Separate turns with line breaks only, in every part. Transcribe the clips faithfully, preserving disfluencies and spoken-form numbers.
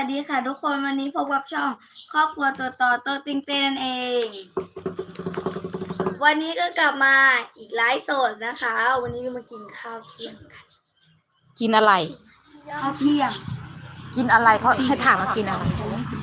ดีค่ะทุกคนวันนี้พบกับช่องครอบครัวตัวต่อตัวติงเต้นนั่นเอง วันนี้ก็กลับมาอีกไลฟ์สดนะคะ วันนี้ก็มากินข้าวเที่ยงกัน
กินอะไร
ข้าวเที่ยง
กินอะไรเขาให้ถามว่ากินอะไร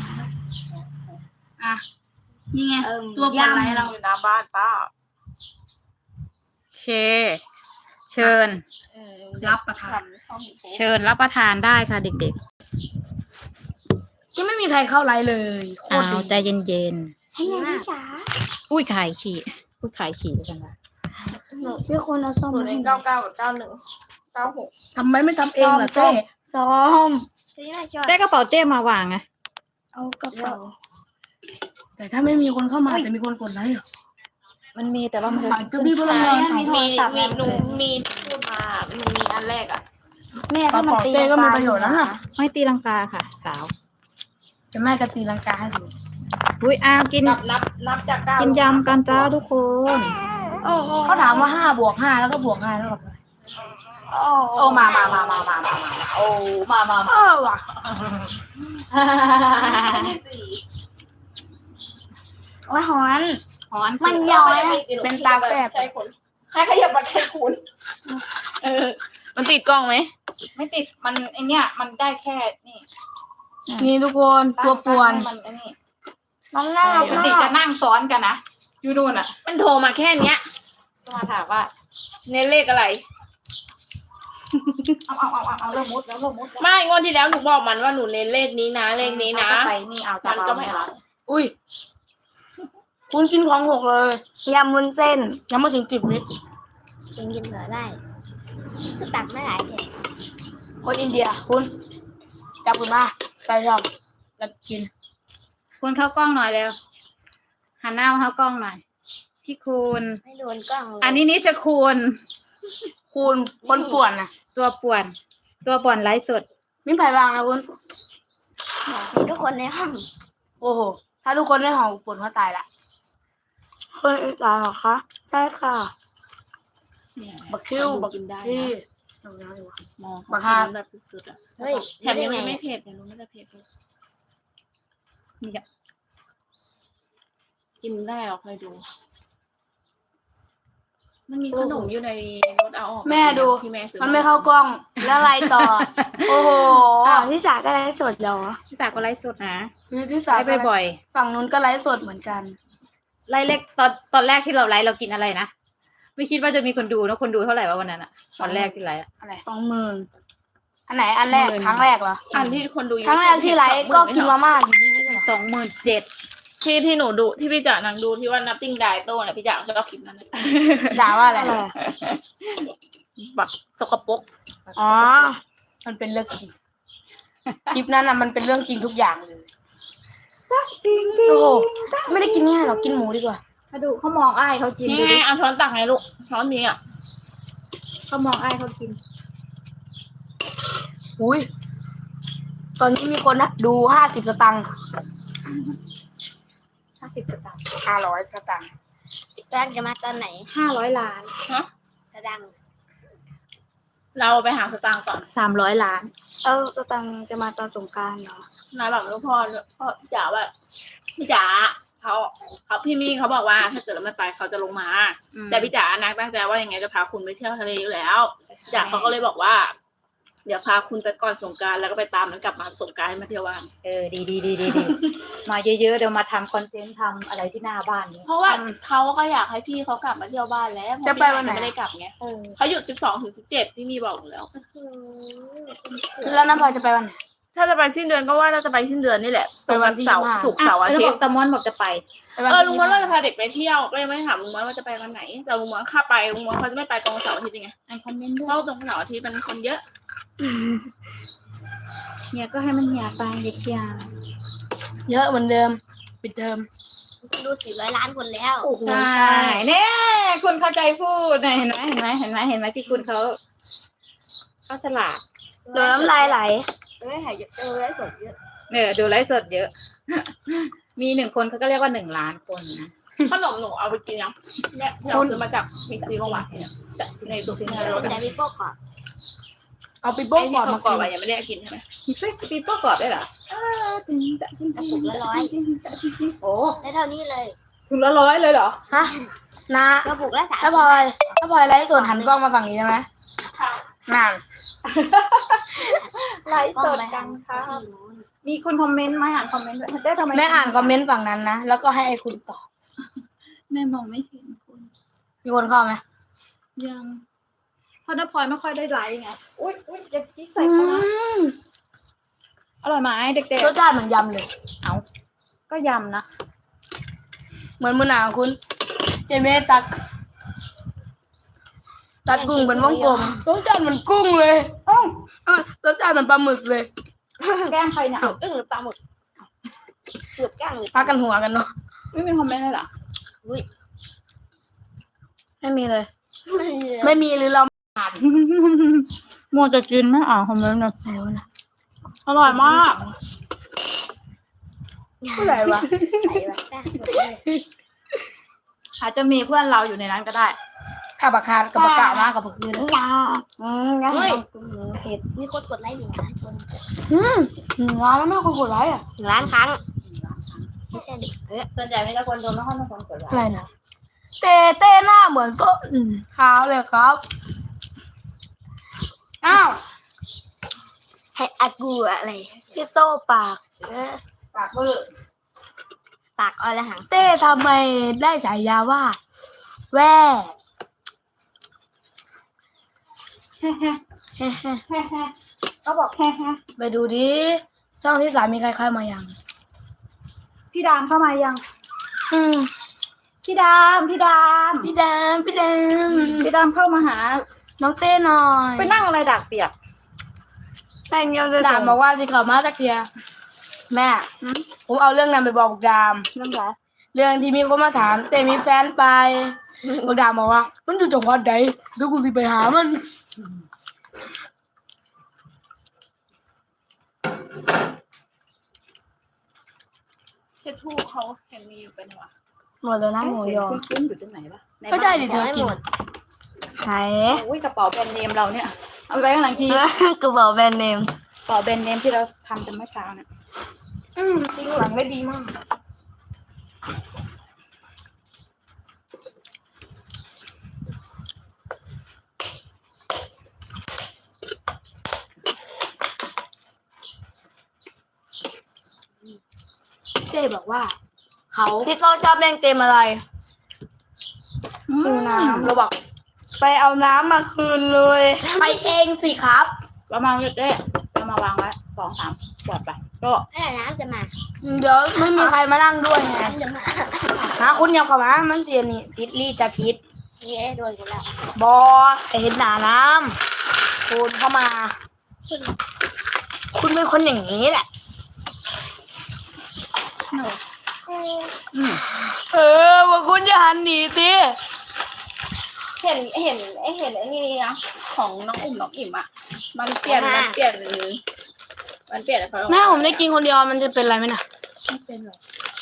อ่ะนี่ไง
เอิ่ม
ตัวปลาไหลเรา
อยู่หน้าบ้านป้าโอเค เชิญ
รับประทาน
เชิญรับประทานได้ค่ะเด็ก
ที่ไม่มีใครเข้าไลฟ์เลยโค
ๆ
ตร
เอา
ดี
ใจเย็น
ให้ไงพี่จ๋า
ๆ อุ้ยขายขี่อุ้ยขายขี่กันละ
พี่คนเอาส้ม
ศูน
มา
ย์ห
ให้
นึ่ง
หน่
เก้า
อย
เก้ากับเก้าหนึ่งเก้าหก
ทำไมไม่ทำเองล่ะเจ๊
ซ้อม
ได้กระเป๋าเต้มาวางไง
เอากระเป๋า
แต่ถ้าไม่มีคนเข้ามาจะมีคนกดไลค์เหรอ
มันมีแต่ว่ามัน
อาจจะมีพลังงาน
มีโทรศัพท์
มีหนูมีพูดมาหนูมีอันแรกอ่ะ
แม่
กระ
ถ้ามัน
เป๋า
ตี
เต้ก็มีประโยชน์แล้วน่ะ
ไม่ตีลังกาค่ะ สาว
จะแม่กระตีลังกาให้ดู
อุ้ยอ้าวกิน
นับนับนับจากเก้า
กินยำกันจ้าทุกคน
เขาถามว่าห้าบวกห้าแล้วก็บวกห้าแล้วกับอะไร
โอ้มามามามามามามาโอ้มามา
เออว่ะ
โอ้ยหอน
หอน
มันย้อย
เป็นตาแสบ
ใช่คนใครขยับมาใครคุณเออ มันติดกล้องไหม
ไม่ติดมันไอเนี้ยมันได้แค่นี่
นี่ทุกคนตัวป่วน
มันไอ้นี่
น้องน่ารัก
ปก
มา
ติ
ก
จะนั่งซ้อนกันนะยูดูนอ่ะ
มันโทรมาแค่เนี้ย
ก็มาถามว่า
เน้นเลขอะไร
เอาเอาเอาเอาเอาเริ่มมุดแล้วเริ่มมุดแล้ว
ไม่งวดที่แล้วหนูบอกมันว่าหนูเน้นเลขนี้นะเลขนี้นะ
ไปนี่เอาจะ
มันก็ไม่เอา
อุ้ยคุณกินของหกเลย
ยำวุ้นเส้น
ยังไม่ถึงสิบวิ
กินกินเหลือได้ก็ตักไม่หลายเผ็ด
คนอินเดียคุณจับคุณมาใส่ชอบแล้วกิน
คุณเข้ากล้องหน่อยเร็วหันหน้ามาเข้ากล้องหน่อย พี่คุณ
ไม่โดนกล้องเลย
อันนี้นี่จะคุณ
คุณคนป่วนนะ
ตัวป่วน ตัวป่วนไร้สด
มิ้นไผ่บางนะคุณ
มีทุกคนในห้อง
โอ้โห ถ้าทุกคนได้หอมป่วนเขาตายละ
คนอีสานเหรอคะใช่ค่ะ
บักคิวบัก
กินได้
ที่
นะ
เอาแล้วดีกว่า
มอง
บั
เขา
กฮา
กินแบบสุดๆอ่ะ
เฮ้ย
แถมยัง
ด้
ไม่
ง
เผ็ดแต่หนูไม่ได้เผ็ดเลยนี่อะกินได้หรอเคยดู มันมีขนมอยู่ในรถเอาออก
แม่ดู
ที่แม่ซื้อ
มันไม่เข้ากล้อง แล้วอะไรต่อ โอ้โห
อ๋อที่สาก็ได้สดเหรอ
พี่สาวก็ไร้สดนะ
คือที่สาม
ไล่บ่อย
ฝั่งนู้นก็ไลฟ์สดเหมือนกัน
ๆไล่เล็กตอนตอนแรกที่เราไลฟ์เรากินอะไรนะ ไม่คิดว่าจะมีคนดูนะคนดูเท่าไหร่วะวันนั้นอะตอนแรกที่ไลฟ์อะ
อะไรสองหมื่นอันไหนอันแรก
หมื่น
ครั้งแรกเหรอ
อันที่คนดู
ครั้งแรกที่ไลฟ์ก็กินมาม่าอยู่นี่ไม่ใช่เหรอ
สองหมื่นเจ็ด
ที่ที่หนูดูที่พี่จ๋านังดูที่ว่านับติ้งไดโต้เนี่ยพี่จ๋าชอบคลิปนั้นนะ
ด่าว่าอะไร
แบบสกปรก
อ๋อ มันเป็นเรื่องจริง คลิปนั้นน่ะมันเป็นเรื่องจริงทุกอย่างเลย
จริง
โอ้โห ไม่ได้กินง่ายหรอกกินหมูดีกว่า
มาดูเขามองอ้ายเขากิน
นี่
ดู
ไง
ดิ
เอาช้อนตักไงลูกช้อนนี้อ่ะ
เขามองอ้ายเขากิน
อุ้ย ตอนนี้มีคนดูห้าสิบสตังค์
ห้าสิบสตางค์
ห้าร้อยสตังค์
แจ้งจะมาตอนไหน
ห้าร้อยล้าน
ฮะ
สตังค์
เราไปหาสตางค์ก่อน
สามร้อยล้าน
เอาสตังค์จะมาตอนสงกรานต์เหรอ
นายบอกลูกพ่อพ่อพี่จ๋าว่าพี่จ๋าเขาเขาพี่มี่เขาบอกว่าถ้าเกิดเราไม่ไปเขาจะลงมา
อืม
แต่พี่จ๋านักตั้งใจว่ายังไงจะพาคุณไปเที่ยวทะเลอยู่แล้วพี่จ๋าเขาก็เลยบอกว่า เดี๋ยวพาคุณไปก่อนสงกรานต์แล้วก็ไปตามมันกลับมาสงกรานต์ให้มาเที่ยวบ้าน
เออดีดีดีดีดี มาเยอะๆเดี๋ยวมาทำคอนเทนต์ทำอะไรที่หน้าบ้านนี้
เพราะว่าเขาก็อยากให้พี่เขากลับมาเที่ยวบ้านแล้ว
จะไปวันไหน
ไม่ได้กลับไง
เออ
เขาหยุดสิบสองถึงสิบเจ็ดพี่มีบอกอยู่แล้ว
แล้วน้ำพลอยจะไปวันไหน
ถ้าจะไปสิ้นเดือนก็ว่าน่าจะไปสิ้นเดือนนี่แหละ
ไปวันที่
เสาร์
ยี่สิบห้า
ศุกร์เสาร์อา
แล้ว
ทิ
บ
ต
อก
ย์
ตะม้วนบอกจะไป
ไปวัน
เออ
ที่
ลุงม้วนเราจะพาเด็กไปเที่ยวก็ยังไม่ถามลุงม้วนว่าจะไปวันไหนแต่ลุงม้วนข้าไปลุงม้วนเขาจะไม่ไปตรงเสาร์อาทิตย์ยังไง
อ่านคอมเมนต์ด้
เพ
วย
ราะตรงเสาร์อาทิตย์มันคนเยอะ
เนี่ยก็ให้มันหยาไปเด็กยา
เยอะเหมือนเดิม ปิดเทอม
ดูสี่ร้อยล้านคนแล้ว
โอ้โห
ใช่เนี่ยคุณเข้าใจพูดนะเห็นไหมเห็นไหมเห็นไหมเห็นไหมพี่คุณเขาเขาฉลาด
โดนน้ำลายไหลเฮ้ยหายเยอะเออได้สดเยอะ
เนี่ยดูไลฟ์สดเยอะ มีหนึ่งคนเขาก็เรียกว่าหนึ่งล้านคนนะ
ขนมหนูเอาไปกินยังเนี่ยที่เราซื้อมาจากมิกซีเมื่อวานเนี่ยจากในตัวที่ในรถ
แต่มีโป๊กก่อน
อเอาปีโป้กรอบ
ไอ้
มา
ที่กร
กิ
อบๆอะ
น
ยังไม่ได้กินใช่ไหม
มีเป๊กปีโป้กรอบได้เหรออ้าวจริงจังจริงจริง
ถุงละร้อย
โอ้
ได้เท่านี้เลย
ถุงละร้อยเลยเหรอ
ฮะนะ
กระปุกละสาม
ถ้าพลอยถ้าพลอยไลฟ์สดหันกล้องมาฝั่งนี้ใช่ไหมนั่น
ไลฟ์สดกันค่ะมีคนคอมเมนต์ไหมอ่านคอมเมนต์ด้วยได้ทำไม
แม่อ่านคอมเมนต์ฝั่งนั้นนะแล้วก็ให้ไอ้คุณตอบ
แม่มองไม่เห็นคุณ
มีคนเข้าไหม
ยัง
เพราะน้าพลอยไม่ค่อยได้ไลฟ์ไงอุ้ยอุ้ยจะกี้ใส่
อื
เข้านะ
ม
อร่อยไหมเด็ก
รสชาติเหมือนยำเลย
ๆเอาก็ยำนะ
เหมือนมือหนาวคุณเจเม่ตัก ตัดกุ้งเป็นวงกลมรสชาติเหมือนกุ้งเลยเอ้ารสชาติเหมือนปลาหมึกเลย
แกล้งใครเนี่ย
เกือบอึ้งหรือปลาหมึกเกือบก้างหรือ
พักกันหัวกันเนาะ
ไม่มีคอมเมนต์เลยเหรอ
อุ้ย
ไม่มีเลย
ไม่มีเลย
ไม่มีหรือเราอ่าน
มัวจะกินไม่อ่านคอมเมนต์เลย
ไม่รู้นะ
อร่อยมาก
เมื่อไหร่วะ
ใส่แบบก้างหมดเลย
อาจจะมีเพื่อนเราอยู่ในนั้นก็ได้
ข้าบักคาดกับบักกะมากกับบักคืน
ยา
อืมงั้น
เฮ้ย
เผ็ด
มีคนกดไลค์หนึ่งล้านคน
อืมหนึ่งล้านแล้วแม่คนกดไลค์อ่ะ
หนึ่งล้านครั้งไม่ใช่ดิเออ
ส่วนใหญ่ไม่ใช่คนโดนไม่ค่อยมีคนกดไล
อะไร
ค์
นะเต้เต้หน้าเหมือนโซ่อืมขาวเลยครับอ้าว
ให้อากูอะไร
พี่โต้ปาก
เออ
ปากเบื่อ
ปากออละหัง
เต้ทำไมได้ฉายาว่า แว่
แฮ่แฮ่แฮ่แฮ่เขาบอกแฮ่แฮ่
ไปดูดิช่องที่สามมีใครเข้ามายัง
พี่ดามเข้ามายัง
อืม
พี่ดามพี่ดาม
พี่แดมพี่แดม
พี่ดามเข้ามาหา
น้องเต้หน่อย
ไปนั่งอะไรดักเปียก
แป้งเดียวเลยดามบอกว่าสิเขามาสักเทียแม่ผมเอาเรื่องนั้นไปบอกดาม
เรื่องอะไร
เรื่องที่มีคนมาถามเต้มีแฟนไปบอกดามบอกว่า มันอยู่จังหวัดใดเดี๋ยวกูสิไปหามัน
เช็ดทูเขาเห็นมีอยู่เป็นวะ
หมดเลยนะหมูยอ
คุ้นๆอยู่ตรงไหนวะน
ก็
บ้าน
ใช่ดิเธ
ยั
อง
ไม่
กิน
หมด
ไหน
โอ้ยกระเป๋าแบรนด์เนมเราเนี่ยเอาไปไว้ข้างหลังที
กระเป๋าแบรนด์เนม
กระเป๋าแบรนด์เนมที่เราทำกันเมื่อเช้าเนี่ย
อืมทิ้งหลังได้ดีมากเจ๊บอกว่า เขาพี่โตชอบเล่นเกมอะไรคืนน้ำเราบอก ไปเอาน้ำมาคืนเลย ไปเองสิครับ
เรามาเด้เรามาวางไว้สองสามปลอดไปก็
เอ้ยน้ำจะมา
เดี๋ยวไม่มีใครมานั่งด้วยไง
น้ำจะมา
นะคุณอยากเข้ามามันเสียนี่ติดลี่จะทิด
เย้โดนกันแล้ว
บอแต่เห็นหนาน้ำคุณเข้ามา คุณเป็นคนอย่างนี้แหละ เออว่าคุณจะหันหนีสิ
เห็นเห็นไอเห็นไอ้นี่นะของน้องอุ่มน้องอิ่มอ่ะ มันเปลี่ยนมันเปลี่ยนมันเปลี่ยนอะไรเขา
แม่ผมได้กินคนเดียวมันจะเป็นอะไรไหมน่ะ
ไม่เป็นหรอก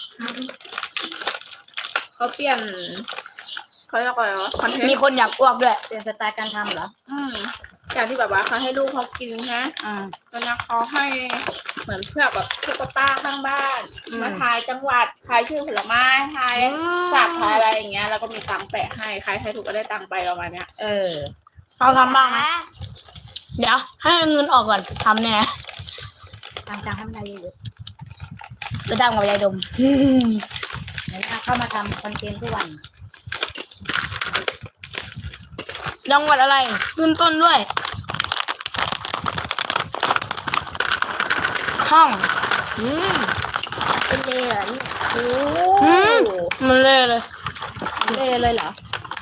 เขาเปลี่ยนเขาเรียกว่าอะไรวะคอนเทน
มี
ต์
คนอยากอ้วกด้วย
เปลี่ยนสไตล์การทำเหรอ
อืมจากที่แบบว่าเขาให้ลูกเขากินฮะ
อ่า
ตอนนี้เขาให้เหมือนเพื่อแบบพวกป้าข้างบ้าน
อืม
มาทายจังหวัดทายชื่อผลไม้ทายสัตว์ทายอะไรอย่างเงี้ยแล้วก็มีตังค์แปะให้ใครทายถูกก็ได้ตังค์ไปประมาณเนี้ย
เออ
เราทำบ้างไหมเดี๋ยวให้เงินออกก่อนทำแน่
ตามจังให้มันได้เยอะ
จะดังกับยายดม
ๆเดี๋ยวเข้ามาทำคอนเทนต์ทุกวัน
จังหวัดอะไรขึ้นต้นด้วย ห้อง
อืมเป็นเลยเหรอเนี่ย
อืมมันเละเลย
เล่เลยเหรอ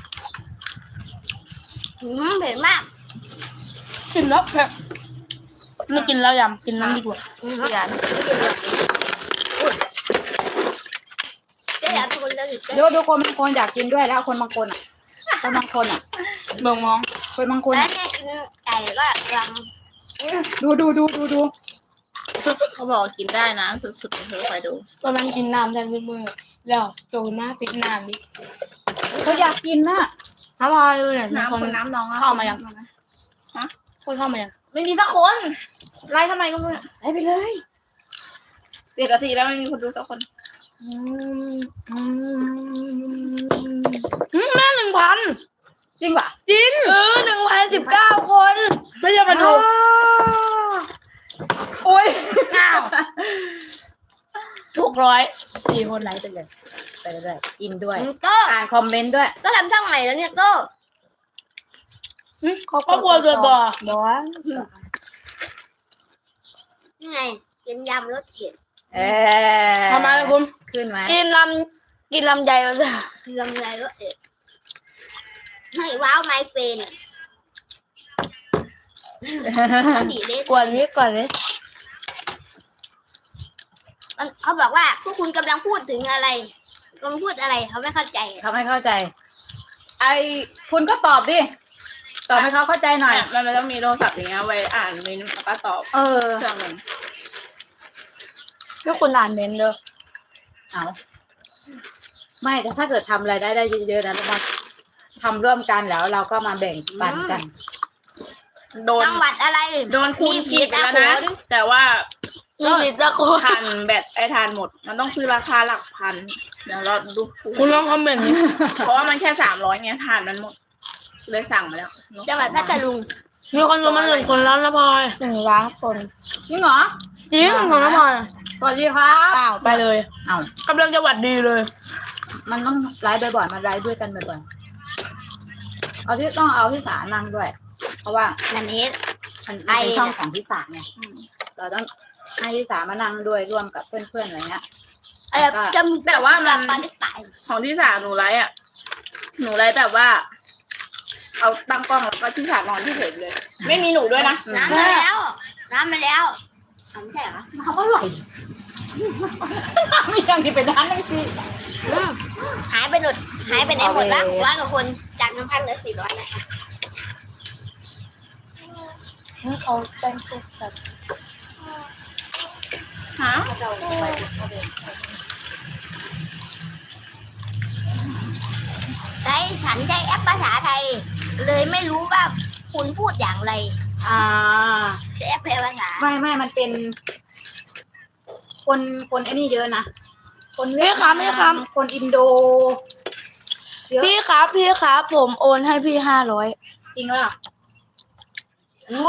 อืมเผ็ดมาก
กินแล้วเผ็ดไม่กินแล้วยำกินน้ำดีกว่า
อืมอย่าไม่กินเลยอุ้ยเจ๊อยากทุนแล้วหรือเจ๊
เดี๋ยวดูคนบางคนอยากกินด้วยแล้วคนบางคนอ่ะคนบางคนอ่ะ
เบิ่งมอง
คนบางคน
แล้ว
อ่ะ
แม่กินไก่ก็รัง
ดูดูดูดูดู
เขาบอกกินได้นะสุดๆเธอคอยดู
ตอนนั้นกินน้ำแทนมือแล้วโตหน้าติดน้ำดิ
เขาอยากกินน่ะ
น้ำพอดูหน่อยมี
น้ำ
คน
คนน้ำน้องอะ
เข้ามายัง
ฮะ
คนเข้ามายัง
ไม่มีสักคนไล่ทำไมก็ไม่รู้
ไล่ไปเลย
เจ็ดนาทีแล้วไม่มีคนดูสักคน
อืมอืมแม่หนึ่งพัน
จริงป่ะ
จริงเออหนึ่งพันสิบเก้าคนไม่ใช่มาดูโอ้ยอ้าวหกร้อยสี่คนไลค์ไปเลย
ไปเรื่อยๆอินด้วย
ก็
อ่านคอมเมนต์ด้วย
ก็ทำช่องใหม่แล้วเนี่ยก็
เขาก็กลัวตัวต่อบอกว่า
นี่ไงกินยำรสเผ็ด
เออ
ทำไมล่ะคุณ
ขึ้นไหม
กินลำกินลำไยมาจ้ะ
ลำไยรสเผ็ดให้ว้าวไมเฟนต้องดีเลย
กวนนี้ก่อนเลย
มันเขาบอกว่าพวกคุณกำลังพูดถึงอะไรกำลังพูดอะไรเขาไม่เข้าใจ
เขาไม่เข้าใจ ไอคุณก็ตอบดิ ตอบให้เขาเข้าใจหน่อย
มันไม่ต้องมีโทรศัพท์อย่างเงี้ยไว้อ่านเมนูแล้วก็ตอบ
เออ
เครื่องหนึ่ง
ถ้าคุณอ่านเมนต์เด้อ
เอาไม่แต่ถ้าเกิดทำอะไรได้ได้เยอะๆนะเรามาทำร่วมกันแล้วเราก็มาแบ่งปันกัน
โดน
จังหวัดอะไร
โดนคูณขีดไปแล้วนะ
มีผิดนะ
แต่ว่า
นี่มีตะโกน
ทานแบตไอทานหมด มันต้องซื้อราคาหลักพัน เดี๋ยวเราดู
คุณลองคอมเมนต์นี้
เพราะว่ามันแค่สามร้อยไงทานมันหมด เลยสั่งมาแล้ว
จังหวัดพัทลุง
มีคนรู้มาหนึ่งคนแล้วนะพลอยหนึ่งล้านคน
จริงเหรอ
จริงของน้ำพลอย
สวัสดีครับ
อ้าวไปเลย
เอา
กำลังจะหวัดดีเลย
มันต้องไลฟ์บ่อยๆมาไลฟ์ด้วยกันบ่อยๆเอาที่ต้องเอาที่สานั่งด้วย เพราะว่า
นันเฮ็ด
มัน
ไอ้
เป็นช่องของที่สาไงเราต้องให้ที่สามานั่งด้วยร่วมกับเพื่อนๆอะไรเงี้ย
เออ
แล้วก็
จำ
แต่ว่ามัน
ตอนที่ตาย
ของที่สามหนูไลฟ์อ่ะ หนูไลฟ์แบบว่า เอาตั้งกล้องแล้วก็ที่สามนอนที่เฉยเลย ไม่มีหนูด้วยนะ
น้ำมาแล้ว น้ำมาแล้วอ๋อไม่ใช่เหรอ
เขาก็ไหลมีอย่างที่เป็นด้านนั่งสิ
อืมหายไปหมดหายไปไหนหมดวะร้อยกว่าคนจากหนึ่งพันเหลือสี่ร้อยนะคะ
นี่เขาแต่งตัวแบบ
ฮะ
ใช้ฉันใช้แอปภาษาไทย เลยไม่รู้ว่าคุณพูดอย่างไร
อ่า
ใช้แอปแปลภาษา
ไม่ไม่มันเป็น คนคนไอ้นี่เยอะนะ คนเวี
พี่
ยด
ครับ
นาม
พี่ครับ
คนอินโดเยอะ
พี่ครับพี่ครับผมโอนให้พี่ห้าร้อย
จริงป่ะ
โง่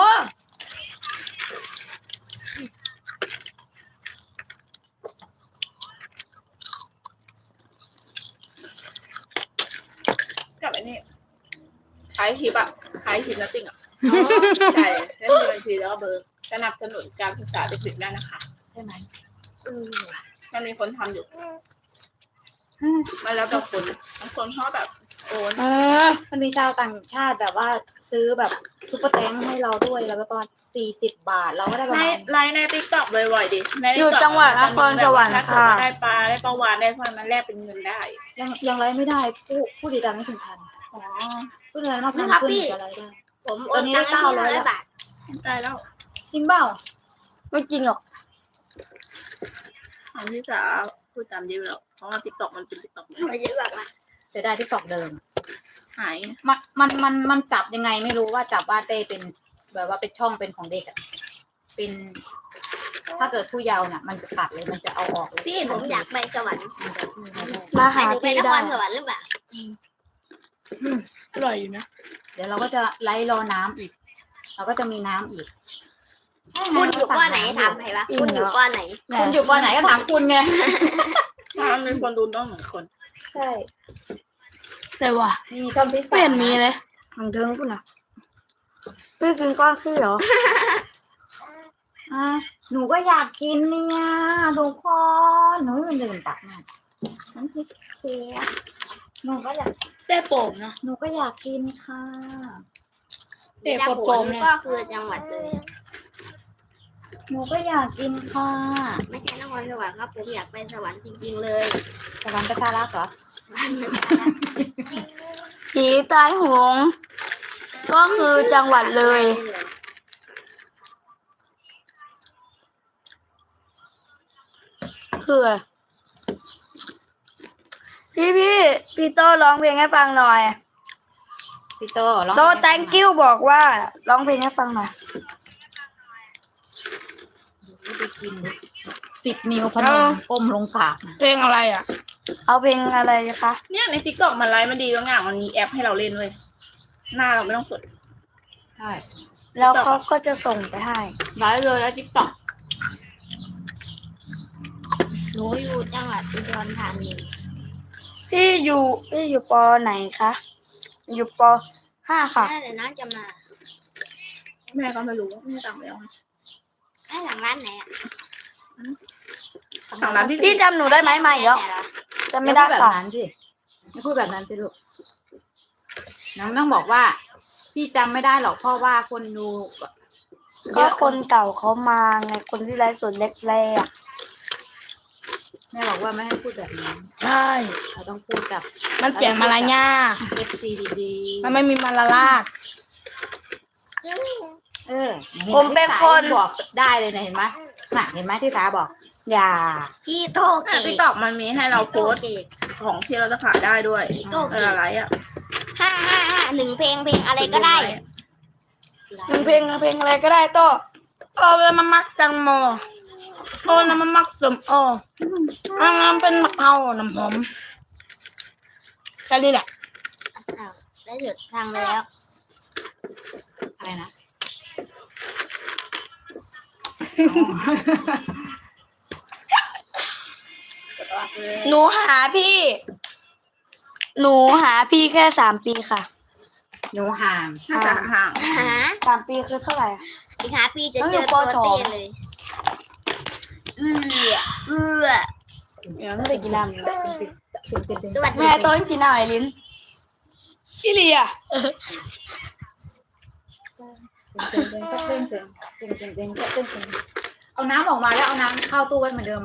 กับไอ้นี่ขายคลิปอ่ะขายคลิปนัตติ้งอ่ะใช่เล่นบัญชีแล้วก็เบอร์สนับสนุนการศึกษาเด็กๆได้นะคะ
ใช่ไหม
อืม
มันมีคนทำอยู่มาแล้วแต่คนบางคนชอบแบบโอน
เออ
มันมีชาวต่างชาติแบบว่าซื้อแบบซุปเปอร์แตงให้เราด้วยแล้วประมาณสี่สิบบาท เราก็ได้ประ
ใน
มาณ
ไลน์ในติ๊กต็อกบ่อยๆดิใน
อยู่
TikTok
จังหวัดนครสวรรค์
ถ้าเกิด
ค่ะ
ว่าได้ปลาได้ปลาวานได้พลอยมันแลกเป็นเงินได้
ยังยังไรไม่ได้ผู้ผู้ติดตามไม่ถึงพัน
อ๋อ
ผู้ติดตามนอกพันขึ้นจะไรได้
ผมโอนตังค์ให้พี่ร้อยบาท
ได้แล้ว
จริงเปล่า
ไม่จริงหรอก
ของพี่สาวพูดตามยิ้มแล้วเพราะว่าติ๊กต็อกมันเป็นติ๊กต็อก
ไม่เยอะแบบว่า
จะได้ที่ตอกเดิม
หาย
มันมันมันมันจับยังไงไม่รู้ว่าจับว่าเต้เป็นแบบว่าเป็นช่องเป็นของเด็กอะเป็น ถ้าเกิดผู้เยาว์น่ะ มันจะตัดเลยมันจะเอาออกเลย
พี่ผมอยากไปสวรรค์
มันจะไม่ได้
มา
หมา
หาย
ถึงไป
พี่
นค
ได้
รสวรรค์หรือเปล่า
อร่อยอยู่นะ
เดี๋ยวเราก็จะไล่รอน้ำอีก เราก็จะมีน้ำอีก
คุณอยู่ก้อนไหนถามใครวะคุณอยู่ก้อนไหน
คุณอยู่ปอไหนก็ถามคุณไง
ถ้ามีคนดูต้องเหมือนคน
ใช่
แต่ว่า
มีท่อนพิเศษ
ไม่เห็นมีเลยทางเทิงกูนะพี่กินก้อนขี้เหรอ
อ่ะหนูก็อยากกินเนี่ยทุกคนหนูลืมลืมตักมาน้ำพริกเคียวหนูก็อยาก
ได้โป่งนะ
หนูก็อยากกินค่ะ
เด็ก
จัง
กด
ห
โป่
วั
ง
ด
เนี่ย
ก็คือจังหวัดเลย
หนูก็อยากกินค่ะ
ไม่ใช่นครสวรรค์ครับผมอยากไปสวรรค์จริง ๆ เลย
สวรรค์ประชารักษ์เหรอ
ผีตายโหงก็คือจังหวัดเลย คืออะไรพี่พี่พี่โตร้องเพลงให้ฟังหน่อย
พี่โตร้อง
โต thank you บอกว่าร้องเพลงให้ฟังหน่อย
กินสิบนิ้วพนมก้มลงกราบ
เพลงอะไรอ่ะ เอาเพลงอะไรคะ
เนี่ยในทิกตอกมันไลฟ์มันดีตรงอย่างมันมีแอปให้เราเล่นเว้ยหน้าเราไม่ต้องกด
ใช่
แล้วเขาก็จะส่งไปให้
ไลฟ์เลยแล้วติ๊กต็อก
หนูอยู่จังหวัดอุดรธานี
พี่อยู่พี่อยู่ปไหนคะอยู่ปห้าค่ะ
แม่เดี๋ยวน้องจะมา
แม่ก็ไม่รู้ไม่จำแล้ว
แม่หลังร้านไหนอ่ะ
สั่งร้านที่
พี่จำหนูได้ไหมมาอีกแล้วจำไม่ได้
อย่าพูแบบ
ค่ะ
นั้นสิอย่าพูดแบบนั้นสิลูกน้องต้องบอกว่า พี่จำไม่ได้หรอกเพราะว่าคนดู
ก็คนเก่าเขามาไงคนที่ไลฟ์สดแรก
แม่บอกว่าไม่ให้พูดแบบนั้น
ๆใช่
เราต้องพูดกับ
มันเสียงมารยาท
เอฟซีดี
มันไม่มีมารลาด
ๆเออห็ไห
ผมเป็นคน
ที่สาบอกได้เลยนะเห็นไหมน่ะเห็นไหมที่สาบอก
อย่า
พี่โตเก
ทิก
ต
ตอกมันมีให้เราโพสต์ของที่เราจะขายได้ด้วย
โต
เอ
เก
อ
ต
อะไรอ่ะ
ห้าห้าห้าหนึ่งเพลงเพลงอะไรก็ได้
หนึ่งเพลงเพลงอะไรก็ได้โตโอ้เป็นมามักจังโมโอ้น้ำมันมักสมโอ้อันนั้นเป็นมะเขาน้ำหอมแค่นี้แหละ
อ้าวได้หยุดทางแล้ว
อะไรนะ
หนูหาพี่ หนูหาพี่แค่สามปีค่ะ
หนูห่าง
น่าจะห่าง
หา
สามปีคือเท่าไหร่อะ
อีกหาปีจะ
ต้อง
เจ
อยู่
อตัว
ปสอง
เต้เลยเอือเอือ
เดี๋ยวไม่ได้กินน้ำเลย
สวัสดี
แม่ต้นกินน้ำไอ้ลิ้นพี่เลีย
เอาน้ำออกมาแล้วเอาน้ำเข้าตู้ไว้เหมือนเดิม